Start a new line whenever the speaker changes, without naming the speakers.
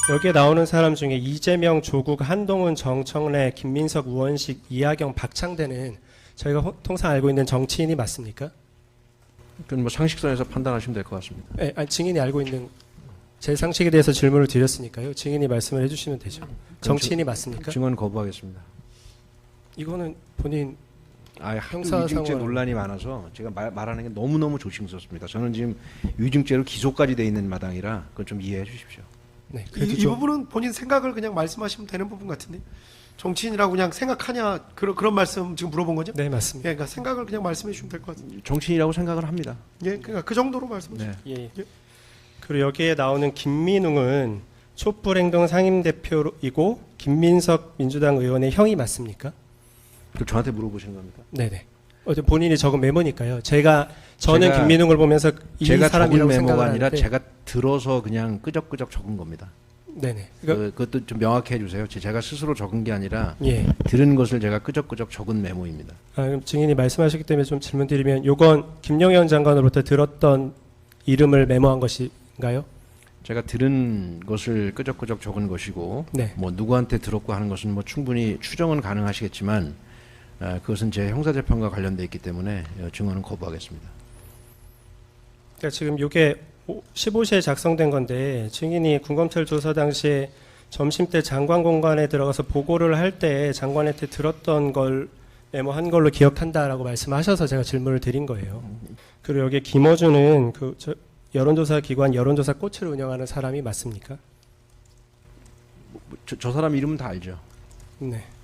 여기에 나오는 사람 중에 이재명, 조국, 한동훈, 정청래, 김민석, 우원식, 이하경, 박창대는 저희가 통상 알고 있는 정치인이 맞습니까?
그건 뭐 상식선에서 판단하시면 될 것 같습니다.
네, 아니, 증인이 알고 있는 제 상식에 대해서 질문을 드렸으니까요. 증인이 말씀을 해주시면 되죠. 정치인이 맞습니까?
증언 거부하겠습니다.
이거는 본인
하도
형사상황-
위증죄 논란이 많아서 제가 말하는 게 너무너무 조심스럽습니다. 저는 지금 위증죄로 기소까지 돼 있는 마당이라 그건 좀 이해해 주십시오.
네,
이
그래도 좀
부분은 본인 생각을 그냥 말씀하시면 되는 부분 같은데 정치인이라고 그냥 생각하냐 그런 말씀 지금 물어본 거죠?
네, 맞습니다.
예, 그러니까 생각을 그냥 말씀해 주시면 될 것 같은데.
정치인이라고 생각을 합니다.
예, 그러니까 그 정도로 말씀해 주세요.
네.
예. 그리고 여기에 나오는 김민웅은 촛불행동 상임대표이고 김민석 민주당 의원의 형이 맞습니까?
그 저한테 물어보시는 겁니까?
네네. 어제 본인이 적은 메모니까요. 저는
제가-
김민웅을 보면서 이
제가 적은
사람이라고
메모가
생각을
아니라
하는데,
제가 들어서 그냥 끄적끄적 적은 겁니다.
네네. 그러니까,
그것도 좀 명확히 해주세요. 제가 스스로 적은 게 아니라
예.
들은 것을 제가 끄적끄적 적은 메모입니다.
그럼 증인이 말씀하셨기 때문에 좀 질문드리면, 요건 김영현 장관으로부터 들었던 이름을 메모한 것인가요?
제가 들은 것을 끄적끄적 적은 것이고,
네.
뭐 누구한테 들었고 하는 것은 뭐 충분히 추정은 가능하시겠지만, 그것은 제 형사재판과 관련돼 있기 때문에 증언은 거부하겠습니다.
그러니까 지금 요게 15시에 작성된 건데, 증인이 군검찰 조사 당시에 점심 때 장관 공간에 들어가서 보고를 할 때 장관한테 들었던 걸 메모한 걸로 기억한다라고 말씀하셔서 제가 질문을 드린 거예요. 그리고 여기 김어준은 여론조사 기관 여론조사 꽃을 운영하는 사람이 맞습니까?
저 사람 이름은 다 알죠.
네.